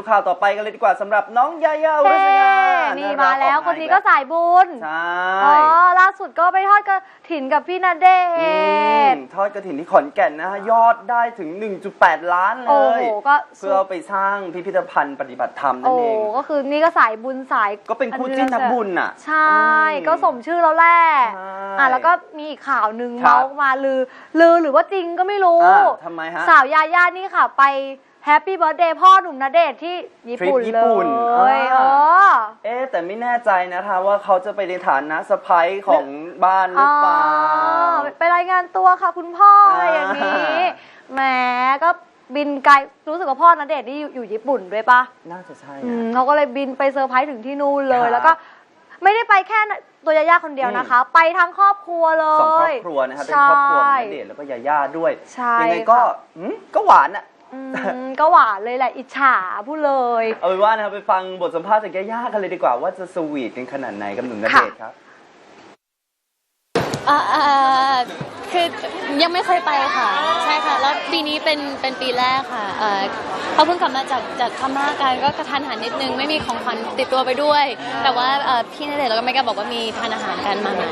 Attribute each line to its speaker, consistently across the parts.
Speaker 1: ดูข่าวต่อไปกันเลยดีกว่าสำหรับน้องยาย่าอุรัสยา
Speaker 2: นี่มาแล้วคนนี้ก็สายบุญ
Speaker 1: ใช่
Speaker 2: ล่าสุดก็ไปทอดกฐินกับพี่ณเดชน์
Speaker 1: ทอดกฐินที่ขอนแก่นนะฮะยอดได้ถึง 1.8 ล้านเลย
Speaker 2: ก็
Speaker 1: เพื่อเอาไปสร้างพิพิธภัณฑ์ปฏิบัติธรรมนั่นเอง
Speaker 2: ก็คือนี่ก็สายบุญสาย
Speaker 1: ก็เป็นคู่จิ้นนักบุญอ่ะ
Speaker 2: ใช่ก็สมชื่อแล้วแหละแล้วก็มีอีกข่าวหนึ่งเมาส์มาลือหรือว่าจริงก็ไม่รู้
Speaker 1: ทำไมฮะ
Speaker 2: สาวยาย่านี่ค่ะไปแฮปปี้เบิร์ธเดย์พ่อหนุ่มณเดชน์ที่ญี่ปุ่นเลย
Speaker 1: แต่ไม่แน่ใจนะคะว่าเขาจะไปในฐานะสะใภ้ของบ้านหรือเปล่า
Speaker 2: ไปรายงานตัวค่ะคุณพ่ออะไรอย่างนี้แหมก็บินไกลรู้สึกว่าพ่อณเดชน์นี่อยู่ญี่ปุ่นด้วยปะ
Speaker 1: น่าจะใช่
Speaker 2: เขาก็เลยบินไปเซอร์ไพรส์ถึงที่นู่นเลยแล้วก็ไม่ได้ไปแค่ตัวยาย่าคนเดียวนะคะไปทั้งครอบครัวเลย
Speaker 1: 2 ครอบครัวนะครับเป็นครอบครัวณเดชน์แล้วก็ยาย่าด้วยยังไงก็หวานอ่ะ
Speaker 2: ก็หวานเลยแหละอิจฉาพูดเลย
Speaker 1: เอาเป็นว่านะครับไปฟังบทสัมภาษณ์จากย่าๆกันเลยดีกว่าว่าจะสวีทกันขนาดไหนกับหนุ่มณเดชน์ครับ
Speaker 3: คือยังไม่เคยไปค่ะใช่ค่ะแล้วปีนี้เป็นปีแรกค่ะเขาเพิ่งกลับมาจากพม่ากันก็กระทันหันนิดนึงไม่มีของขวัญติดตัวไปด้วยแต่ว่าพี่ณเดชน์แล้วก็ไม่กล้าบอกว่ามีทานอาหารกันมาไหน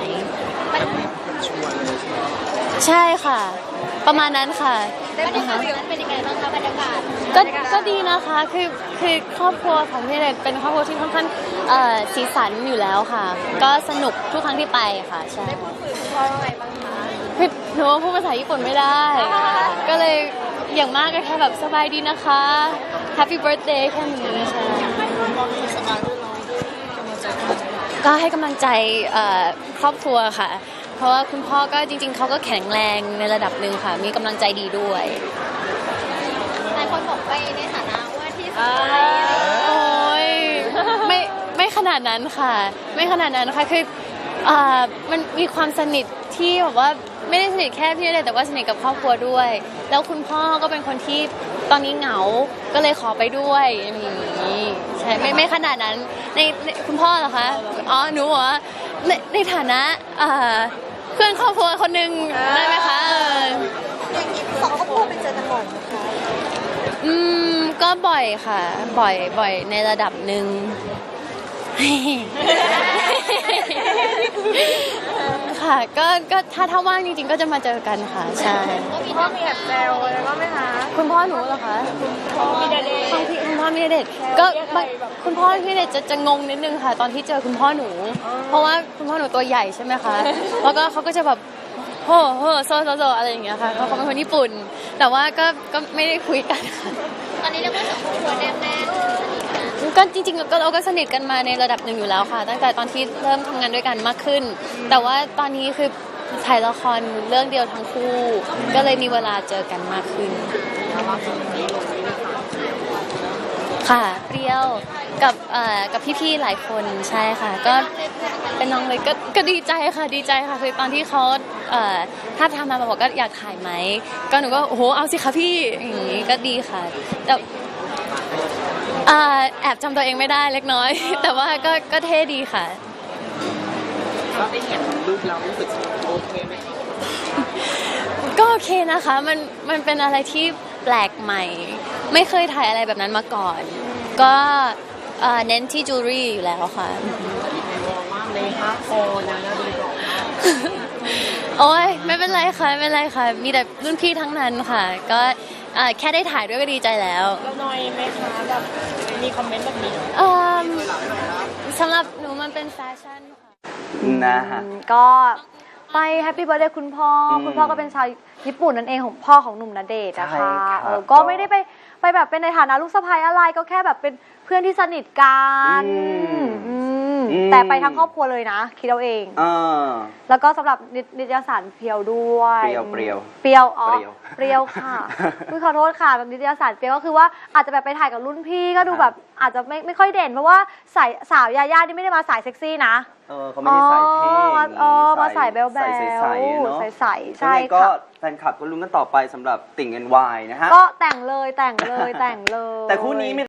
Speaker 3: ใช่ค่ะประมาณนั้นค่ะ
Speaker 2: บรรยากาศเป็นยังไงบ้างคะบรรยากาศ
Speaker 3: ก็ดีนะคะคือครอบครัวของพี่ณเดชน์เป็นครอบครัวที่ค่อนข้างสีสันอยู่แล้วค่ะก็สนุกทุกครั้งที่ไปค่ะใช่
Speaker 2: ได้พูดคุยกับพ่อว่าไงบ้างคะ
Speaker 3: คือหนูพูดภาษาญี่ปุ่นไม่ได้ก็เลยอย่างมากก็แค่แบบสบายดีนะคะ Happy Birthday แค่นี้ใช่ก็ให้กำลังใจครอบครัวค่ะเพราะว่าคุณพ่อก็จริงๆเขาก็แข็งแรงในระดับหนึ่งค่ะมีกำลังใจดีด้วย
Speaker 2: หลายคนบอกไปในฐานะว่าที่สุด
Speaker 3: โอ้ยไม่ขนาดนั้นค่ะไม่ขนาดนั้นค่ะคือมันมีความสนิทที่แบบว่าไม่ได้สนิทแค่พี่ณเดชน์แต่ว่าสนิทกับครอบครัวด้วยแล้วคุณพ่อก็เป็นคนที่ตอนนี้เหงาก็เลยขอไปด้วยอย่างนี้ใช่ไม่ขนาดนั้นในคุณพ่อเหรอคะหนูเหรอในฐานะเพื่อนครอบครัวคนหนึ่งได้ไหมคะ
Speaker 2: สองครอบครัวไปเจอกันบ่อยไหมคะ
Speaker 3: ก็บ่อยค่ะบ่อยในระดับหนึ่งค่ะก็ถ้าว่างจริงๆก็จะมาเจอกันค่ะใช่
Speaker 2: คุณพ่อมีแอบแซวอะไรบ้างไหมคะ
Speaker 3: คุณพ่อหนูเหรอคะ
Speaker 2: คุณพ่อมีณเดชน์
Speaker 3: คุณพ่อมีณเดชน์ก็คุณพ่อพี่ณเดชน์จะงงนิดนึงค่ะตอนที่เจอคุณพ่อหนูเพราะว่าคุณพ่อหนูตัวใหญ่ใช่ไหมคะแล้วก็เขาก็จะแบบโหโซอะไรอย่างเงี้ยค่ะเขาเป็นคนญี่ปุ่นแต่ว่าก็ไม่ได้คุยกันค่ะ
Speaker 2: ตอนนี้เรียกว่าสองครอบครัวแน่
Speaker 3: ก็จริงๆเราก็สนิทกันมาในระดับหนึ่งอยู่แล้วค่ะตั้งแต่ตอนที่เริ่มทำงานด้วยกันมากขึ้นแต่ว่าตอนนี้คือถ่ายละครเรื่องเดียวทั้งคู่ก็เลยมีเวลาเจอกันมากขึ้นค่ะเปรี้ยวกับพี่ๆหลายคนใช่ค่ะก็เป็นน้องเลยก็ดีใจค่ะคือตอนที่เขาถ้าทำมาบอกก็อยากถ่ายไหมก็หนูก็โอ้โหเอาสิคะพี่อย่างนี้ก็ดีค่ะแต่แอบจำตัวเองไม่ได้เล็กน้อยแต่ว่าก็เท่ดีค่ะ
Speaker 1: ก็ได้เห็นรูปเรารู้สึกโอเคไหม
Speaker 3: ก็โอเคนะคะมันเป็นอะไรที่แปลกใหม่ไม่เคยถ่ายอะไรแบบนั้นมาก่อนก็เน้นที่จูเรี่อยู่แล้วค่ะโอ้ยไม่เป็นไรค่ะมีแต่รุ่นพี่ทั้งนั้นค่ะก็แค่ได้ถ่ายด้วยก็ดีใจแล้ว
Speaker 2: แล้วน้อยไหมคะแบบมีคอมเมนต์แบบนี้
Speaker 3: สำหรับหนูมันเป็นแฟชั่นค่ะ
Speaker 1: นะฮะ
Speaker 2: ก็ไปแฮปปี้เบิร์ธเดย์คุณพ่อก็เป็นชาวญี่ปุ่นนั่นเองของพ่อของหนุ่มณเดชน์นะคะก็ไม่ได้ไปแบบเป็นในฐานะลูกสะใภ้อะไรก็แค่แบบเป็นเพื่อนที่สนิทกันแต่ไปทั้งครอบครัวเลยนะคิดเอาเองแล้วก็สำหรับนิตยสารเพียวด้วย
Speaker 1: เปรี้
Speaker 2: ยวค่ะขอโทษค่ะแบบนิตยสารเปรี้ยวก็คือว่าอาจจะแบบไปถ่ายกับรุ่นพี่ก็ดูแบบอาจจะไม่ค่อยเด่นเพราะว่าสาวยาย่านี่ไม่ได้มาสายเซ็กซี่นะ
Speaker 1: เขาไม่ได้ใส่เท่
Speaker 2: มาใส่แบลใส่ใช่ค่ะ
Speaker 1: ก็แฟนคลับก็ลุ้นกันต่อไปสำหรับติ่ง NY นะฮะ
Speaker 2: ก็แต่งเลย
Speaker 1: แต่คู่นี้